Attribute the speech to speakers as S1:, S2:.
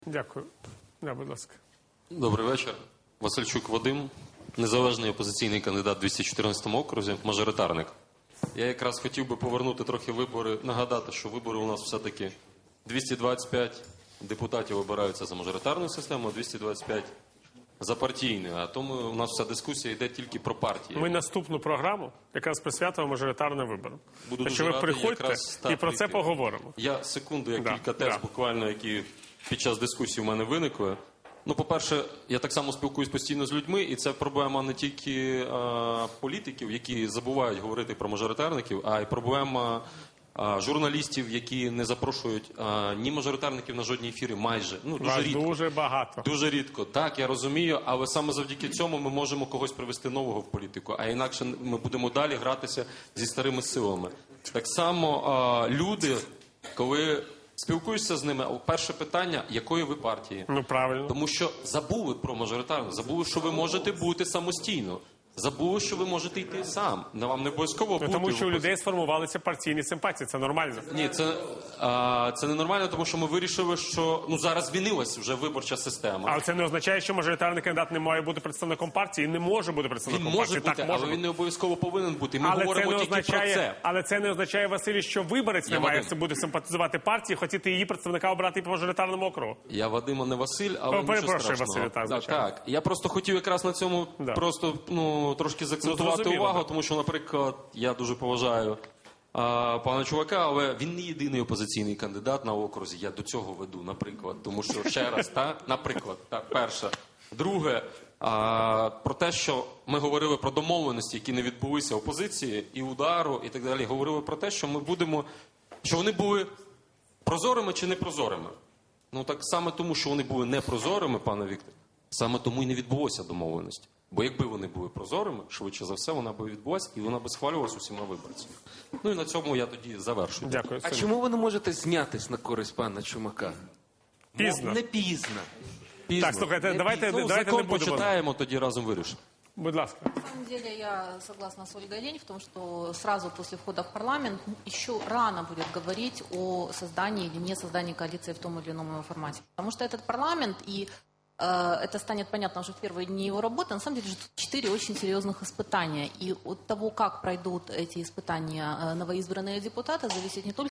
S1: Дякую. Будь ласка.
S2: Добрий вечір. Васильчук Вадим, незалежний опозиційний кандидат в 214 окрузі, мажоритарник. Я якраз хотів би повернути трохи вибори, нагадати, що вибори у нас все-таки 225 депутатів обираються за мажоритарною системою, 225 за партійною. А тому у нас вся дискусія йде тільки про партії.
S1: Ми наступну програму якраз присвятимо мажоритарним виборам.
S2: Буду
S1: Так що ви приходьте і про це поговоримо.
S2: Я секунду, кілька тез буквально, які під час дискусії у мене виникли. Ну, по-перше, я так само спілкуюсь постійно з людьми, і це проблема не тільки політиків, які забувають говорити про мажоритарників, а й проблема журналістів, які не запрошують ні мажоритарників на жодні ефіри майже. Ну, дуже рідко.
S1: Дуже багато.
S2: Дуже рідко. Так, я розумію, але саме завдяки цьому ми можемо когось привести нового в політику, а інакше ми будемо далі гратися зі старими силами. Так само люди, коли спілкуєшся з ними, перше питання, якої ви партії?
S1: Ну, правильно.
S2: Тому що забули про мажоритарну, забули, що ви можете бути самостійно. Забули, що ви можете йти сам. Вам не обов'язково бути.
S1: Тому що у людей сформувалися партійні симпатії. Це нормально.
S2: Ні, це не нормально, тому що ми вирішили, що зараз змінилася вже виборча система.
S1: Але це не означає, що мажоритарний кандидат не має бути представником партії і не може бути представником партії.
S2: Він може бути, але він не обов'язково повинен бути. Ми говоримо тільки про це.
S1: Але це не означає, Василій, що виборець не має бути симпатизувати партії, хотіти її представника обрати по мажоритарному округу.
S2: Я Вадим, а не Василь, але нічого страшного.
S1: Василь,
S2: так. Я просто хотів якраз на цьому просто трошки заакцентувати увагу, тому що, наприклад, я дуже поважаю пана чувака, але він не єдиний опозиційний кандидат на окрузі. Я до цього веду, наприклад. Тому що, ще раз, наприклад, перше. Друге, про те, що ми говорили про домовленості, які не відбулися опозиції, і удару, і так далі. Говорили про те, що ми будемо, що вони були прозорими чи непрозорими. Ну, так саме тому, що вони були непрозорими, пане Віктор, саме тому і не відбулося домовленості. Бо якби вони були прозорими, швидше за все, вона б відбулася і вона б схвалювалася усіма виборцями. Ну і на цьому я тоді завершую.
S1: Дякую.
S3: А чому ви не можете знятись на користь пана Чумака?
S1: Пізно.
S3: Не пізно.
S1: Так, слухайте, давайте не
S2: закон
S1: будемо.
S2: почитаємо, тоді разом вирішимо.
S1: Будь ласка.
S4: На самом деле я согласна с Ольгой Лень в том, что сразу после входа в парламент еще рано будет говорить о создании или не создании коалиции в том или ином его формате. Потому что этот парламент и это станет понятно уже в первые дни его работы. На самом деле, 4 очень серьезных испытания. И от того, как пройдут эти испытания новоизбранные депутаты, зависит не только